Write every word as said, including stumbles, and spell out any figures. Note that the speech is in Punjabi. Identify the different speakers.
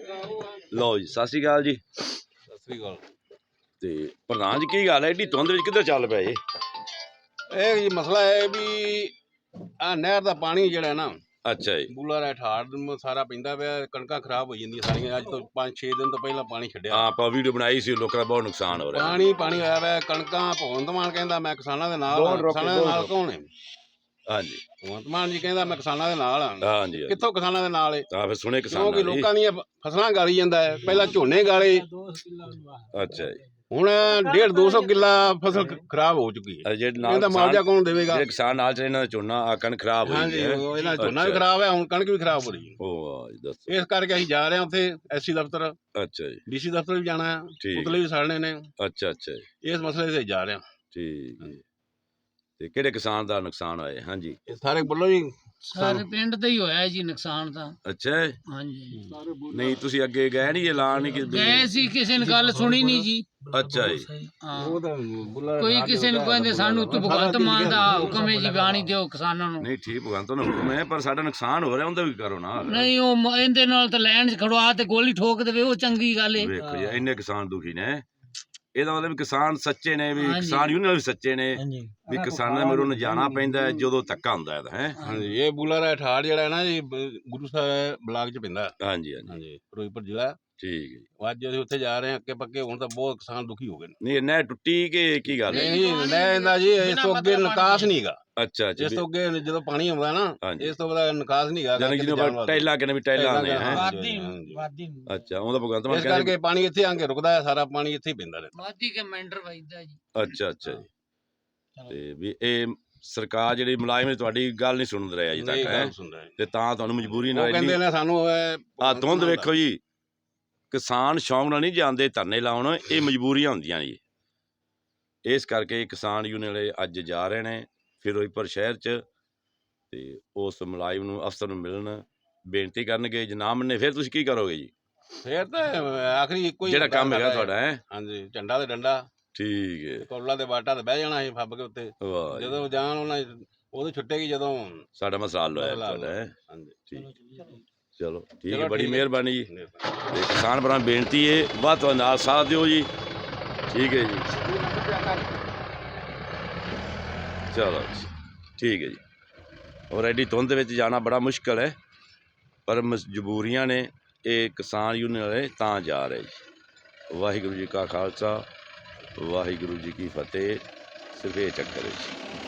Speaker 1: ਲਓ ਜੀ, ਸਤਿ ਸ਼੍ਰੀ ਅਕਾਲ ਜੀ।
Speaker 2: ਸਤਿ ਸ੍ਰੀ ਅਕਾਲ।
Speaker 1: ਤੇ ਪ੍ਰਧਾਨ ਜੀ ਕੀ ਗੱਲ ਹੈ ਏਡੀ ਧੁੰਦ ਵਿੱਚ ਕਿੱਧਰ ਚੱਲ ਪਏ?
Speaker 2: ਇਹ ਜੀ ਮਸਲਾ ਹੈ ਵੀ ਆ ਨਹਿਰ ਦਾ ਪਾਣੀ ਜਿਹੜਾ ਨਾ
Speaker 1: ਅੱਛਾ ਜੀ।
Speaker 2: ਬੂਲਾ ਦਾ ਠਾੜ ਨੂੰ ਸਾਰਾ ਪੈਂਦਾ ਪਿਆ, ਕਣਕਾਂ ਖਰਾਬ ਹੋ ਜਾਂਦੀਆਂ ਸਾਰੀਆਂ। ਅੱਜ ਤੋਂ ਪੰਜ ਛੇ ਦਿਨ ਤੋਂ ਪਹਿਲਾਂ ਪਾਣੀ ਛੱਡਿਆ।
Speaker 1: ਹਾਂ, ਆਪਾਂ ਵੀਡੀਓ ਬਣਾਈ ਸੀ, ਲੋਕਾਂ ਦਾ ਬਹੁਤ ਨੁਕਸਾਨ ਹੋ ਰਿਹਾ।
Speaker 2: ਪਾਣੀ ਪਾਣੀ ਹੋਇਆ ਵਾ। ਕਣਕਾਂ ਭਗਵੰਤ ਮਾਨ ਕਹਿੰਦਾ ਮੈਂ ਕਿਸਾਨਾਂ ਦੇ ਨਾਲ ਹਾਂ। ਕਿਸਾਨਾਂ ਦੇ ਨਾਲ ਕੌਣ ਹੈ?
Speaker 1: ਹਾਂਜੀ,
Speaker 2: ਭਗਵੰਤ ਮਾਨ ਜੀ ਕਹਿੰਦਾ ਮੈਂ ਕਿਸਾਨਾਂ ਦੇ ਨਾਲ ਹਾਂ।
Speaker 1: ਹਾਂਜੀ,
Speaker 2: ਕਿੱਥੋਂ ਕਿਸਾਨਾਂ ਦੇ ਨਾਲ ਹੈ?
Speaker 1: ਤਾਂ ਫਿਰ ਸੁਣੇ ਕਿਸਾਨਾਂ
Speaker 2: ਕਿਉਂਕਿ
Speaker 1: ਦੀ।
Speaker 2: ਲੋਕਾਂ ਦੀਆਂ ਫਸਲਾਂ ਗਾਲੀ ਜਾਂਦਾ ਹੈ। ਪਹਿਲਾਂ ਝੋਨੇ ਗਾਲੇ,
Speaker 1: ਅੱਛਾ ਜੀ।
Speaker 2: ਹੁਣ ਡੇਢ ਦੋ ਸੌ ਕਿੱਲਾ ਫਸਲ ਖਰਾਬ ਹੋ ਚੁੱਕੀ ਹੈ।
Speaker 1: ਜਿਹੜੇ ਨਾਲ
Speaker 2: ਇਹਦਾ ਮੁਆਵਜ਼ਾ ਕੌਣ ਦੇਵੇਗਾ?
Speaker 1: ਜਿਹੜੇ ਕਿਸਾਨ ਨਾਲ ਚੱਲੇ ਇਹਨਾਂ ਦਾ ਝੋਨਾ ਆ ਕਣਕ ਖਰਾਬ ਹੋਈ
Speaker 2: ਹਾਂਜੀ,
Speaker 1: ਹੈ।
Speaker 2: ਇਹਨਾਂ ਝੋਨਾ ਵੀ ਖਰਾਬ ਹੈ, ਹੁਣ ਕਣਕ ਵੀ ਖਰਾਬ ਹੋ ਰਹੀ ਹੈ।
Speaker 1: ਉਹ ਵਾਹ ਜੀ, ਦੱਸੋ।
Speaker 2: ਇਸ ਕਰਕੇ ਅਸੀਂ ਜਾ ਰਹੇ ਹਾਂ ਉੱਥੇ ਐਸਸੀ ਦਫ਼ਤਰ,
Speaker 1: ਅੱਛਾ ਜੀ।
Speaker 2: ਡੀਸੀ ਦਫ਼ਤਰ ਵੀ ਜਾਣਾ ਹੈ,
Speaker 1: ਠੀਕ।
Speaker 2: ਪੁਤਲੇ ਵੀ ਸਾੜਨੇ ਨੇ।
Speaker 1: ਅੱਛਾ ਅੱਛਾ ਜੀ।
Speaker 2: ਇਸ ਮਸਲੇ ਤੇ ਜਾ ਰਹੇ ਹਾਂ।
Speaker 1: ਠੀਕ ਹੈ। ਤੇ ਕਿਹੜੇ ਕਿਸਾਨ ਦਾ ਨੁਕਸਾਨ ਹੋਇਆ? ਹਾਂਜੀ,
Speaker 2: ਇਹ ਸਾਰੇ ਬੋਲੋ ਜੀ।
Speaker 3: ਸਾਰੇ ਪਿੰਡ ਦਾ ਹੀ ਹੋਇਆ ਜੀ ਨੁਕਸਾਨ ਤਾਂ।
Speaker 1: ਅੱਛਾ ਜੀ।
Speaker 3: ਹਾਂਜੀ,
Speaker 1: ਨਹੀਂ ਤੁਸੀਂ ਅੱਗੇ ਗਏ ਨਹੀਂ, ਐਲਾਨ ਨਹੀਂ ਕੀਤਾ?
Speaker 3: ਗਏ ਸੀ, ਕਿਸੇ ਨੇ ਗੱਲ ਸੁਣੀ ਨਹੀਂ ਜੀ।
Speaker 1: ਅੱਛਾ ਜੀ।
Speaker 3: ਹਾਂ,
Speaker 2: ਉਹ ਤਾਂ
Speaker 3: ਕੋਈ ਕਿਸੇ ਨੂੰ ਕਹਿੰਦੇ ਸਾਨੂੰ ਉੱਤੋਂ ਭਗਵੰਤ ਮਾਨ ਦਾ ਹੁਕਮ ਹੈ ਜੀ ਪਾਣੀ ਦਿਓ ਕਿਸਾਨਾਂ ਨੂੰ।
Speaker 1: ਨਹੀਂ ਠੀਕ, ਭਗਵੰਤ ਦਾ ਹੁਕਮ ਹੈ, ਪਰ ਸਾਡਾ ਨੁਕਸਾਨ ਹੋ ਰਿਹਾ, ਉਹਦਾ ਵੀ ਕਰੋ ਨਾ।
Speaker 3: ਨਹੀਂ, ਉਹ ਮ- ਇਹਦੇ ਨਾਲ ਤਾਂ ਲੈਣ 'ਚ ਖੜਵਾ ਤੇ ਗੋਲੀ ਠੋਕ ਦੇਵੇ, ਉਹ ਚੰਗੀ ਗੱਲ ਹੈ।
Speaker 1: ਵੇਖੋ ਜੀ, ਇੰਨੇ ਕਿਸਾਨ ਦੁਖੀ ਨੇ। ਇਹਦਾ ਮਤਲਬ ਵੀ ਕਿਸਾਨ ਸੱਚੇ ਨੇ, ਵੀ
Speaker 3: ਹਾਂਜੀ।
Speaker 1: ਕਿਸਾਨ ਯੂਨੀਅਨ ਵੀ ਸੱਚੇ ਨੇ, ਵੀ ਕਿਸਾਨਾਂ ਮੇਰੇ ਨੂੰ ਜਾਣਾ ਪੈਂਦਾ ਹੈ ਜਦੋਂ ਧੱਕਾ ਹੁੰਦਾ ਇਹਦਾ ਹੈ।
Speaker 2: ਹਾਂਜੀ, ਇਹ ਬੂਲਾ ਦਾ ਠਾੜ ਜਿਹੜਾ ਹੈ ਨਾ ਜੀ, ਬ- ਗੁਰੂ ਸਾਹਿਬ ਬਲਾਕ ਚ ਪੈਂਦਾ।
Speaker 1: ਹਾਂਜੀ ਹਾਂਜੀ,
Speaker 2: ਹਾਂਜੀ, ਫਿਰੋਜ਼ਪੁਰ ਜ਼ਿਲ੍ਹਾ।
Speaker 1: ਠੀਕ ਹੈ ਜੀ।
Speaker 2: ਅੱਜ ਅਸੀਂ ਉੱਥੇ ਜਾ ਰਹੇ ਹਾਂ ਅੱਕੇ ਪੱਕੇ। ਹੁਣ ਤਾਂ ਬਹੁਤ ਕਿਸਾਨ ਦੁਖੀ ਹੋ ਗਏ ਨੇ।
Speaker 1: ਨਹੀਂ ਨਹਿਰ ਟੁੱਟੀ ਕਿ ਕੀ ਗੱਲ ਹੈ?
Speaker 2: ਨਹੀਂ ਲੈ ਇਹਦਾ ਜੀ, ਇਸ ਤੋਂ ਅੱਗੇ ਨਿਕਾਸ ਨਹੀਂ ਹੈਗਾ।
Speaker 1: ਅੱਛਾ ਅੱਛਾ,
Speaker 2: ਇਸ ਤੋਂ ਅੱਗੇ ਜਦੋਂ ਪਾਣੀ ਆਉਂਦਾ ਨਾ,
Speaker 1: ਹਾਂਜੀ।
Speaker 2: ਇਸ ਤੋਂ ਬਾਅਦ ਨਿਕਾਸ ਨਹੀਂ ਹੈਗਾ।
Speaker 1: ਜਾਨੀ ਜਿਹਨੂੰ ਟੈਲਾ ਕਹਿੰਦੇ ਵੀ ਟੈਲਾ ਨੇ ਹੈ।
Speaker 2: ਵਾਦੀ ਵਾਦੀ
Speaker 1: ਅੱਛਾ, ਉਹਦਾ ਭਗਵੰਤ ਮਾਨ
Speaker 2: ਇਸ
Speaker 1: ਕਹਿੰਦੇ।
Speaker 2: ਕਰਕੇ ਪਾਣੀ ਇੱਥੇ ਆ ਕੇ ਰੁਕਦਾ ਹੈ, ਸਾਰਾ ਪਾਣੀ ਇੱਥੇ ਹੀ ਪੈਂਦਾ ਰਹਿੰਦਾ।
Speaker 3: ਵਾਦੀ ਕੇ ਮੈਂਟਰ ਵਜਦਾ ਜੀ।
Speaker 1: ਅੱਛਾ ਅੱਛਾ ਜੀ। ਤੇ ਵੀ ਇਹ ਸਰਕਾਰ ਜਿਹੜੀ ਮੁਲਾਜ਼ਮ ਨੇ ਤੁਹਾਡੀ ਗੱਲ ਨਹੀਂ ਸੁਣ ਰਿਹਾ ਅਜੇ
Speaker 2: ਇਹ
Speaker 1: ਤੱਕ ਹੈ,
Speaker 2: ਗੱਲ ਸੁਣਦਾ ਹੈ।
Speaker 1: ਤੇ ਤਾਂ ਤੁਹਾਨੂੰ ਮਜਬੂਰੀ
Speaker 2: ਉਹ
Speaker 1: ਨਾਲ
Speaker 2: ਕਹਿੰਦੇ ਨੇ ਸਾਨੂੰ
Speaker 1: ਆ ਧੁੰਦ ਵੇਖੋ ਜੀ। ਕਿਸਾਨ ਸ਼ੌਂਕ ਨਾਲ ਨਹੀਂ ਜਾਂਦੇ ਧਰਨੇ ਲਾਉਣ, ਇਹ ਮਜਬੂਰੀਆਂ ਹੁੰਦੀਆਂ ਜੀ। ਇਸ ਕਰਕੇ ਕਿਸਾਨ ਯੂਨੀਅਨ ਵਾਲੇ ਅੱਜ ਜਾ ਰਹੇ ਨੇ ਫਿਰੋਜ਼ਪੁਰ ਸ਼ਹਿਰ 'ਚ, ਤੇ ਉਸ ਮੁਲਾਜ਼ਮ ਨੂੰ ਅਫਸਰ ਨੂੰ ਮਿਲਣ ਬੇਨਤੀ ਕਰਨਗੇ। ਜੇ ਨਾ ਮੰਨੇ ਫਿਰ ਤੁਸੀਂ ਕੀ ਕਰੋਗੇ ਜੀ?
Speaker 2: ਫੇਰ ਤਾਂ ਆਖਰੀ ਇੱਕੋ ਹੀ
Speaker 1: ਜਿਹੜਾ ਕੰਮ ਹੈਗਾ ਤੁਹਾਡਾ ਹੈ।
Speaker 2: ਹਾਂਜੀ, ਝੰਡਾ ਤੇ ਡੰਡਾ,
Speaker 1: ਠੀਕ ਹੈ।
Speaker 2: ਕੋਲਾ ਦੇ ਬਾਟਾ ਤੇ ਬਹਿ ਜਾਣਾ ਸੀ ਫੱਬ ਕੇ ਉੱਤੇ।
Speaker 1: ਵਾਹ ਜੀ,
Speaker 2: ਜਦੋਂ ਜਾਣ ਉਹਨਾਂ ਉਦੋਂ ਛੁੱਟੇਗੀ ਜਦੋਂ
Speaker 1: ਸਾਡਾ ਮਸਲਾ ਹੱਲ ਹੋਇਆ
Speaker 2: ਮਸਲਾ ਹੱਲ
Speaker 1: ਤੁਹਾਡਾ ਹੈ।
Speaker 2: ਹਾਂਜੀ,
Speaker 1: ਠੀਕ, ਚਲੋ ਠੀਕ ਹੈ,
Speaker 2: ਚਲੋ
Speaker 1: ਬੜੀ
Speaker 2: ਠੀਕ ਹੈ।
Speaker 1: ਮਿਹਰਬਾਨੀ ਜੀ।
Speaker 2: ਮਿਹਰਬਾਨੀ।
Speaker 1: ਤੇ ਕਿਸਾਨ ਭਰਾ ਨੂੰ ਬੇਨਤੀ ਹੈ, ਵੱਧ ਤੋਂ ਵੱਧ ਨਾਲ ਸਾਥ ਦਿਓ ਜੀ। ਠੀਕ ਹੈ ਜੀ, ਚਲੋ ਜੀ, ਠੀਕ ਹੈ ਜੀ। ਔਰ ਐਡੀ ਧੁੰਦ ਵਿੱਚ ਜਾਣਾ ਬੜਾ ਮੁਸ਼ਕਲ ਹੈ, ਪਰ ਮਜਬੂਰੀਆਂ ਨੇ। ਇਹ ਕਿਸਾਨ ਯੂਨੀਅਨ ਵਾਲੇ ਤਾਂ ਜਾ ਰਹੇ ਜੀ। ਵਾਹਿਗੁਰੂ ਜੀ ਕਾ ਖਾਲਸਾ, ਵਾਹਿਗੁਰੂ ਜੀ ਕੀ ਫਤਿਹ। ਸਿਰਫ ਇਹ ਚੱਕਰ ਹੈ ਜੀ।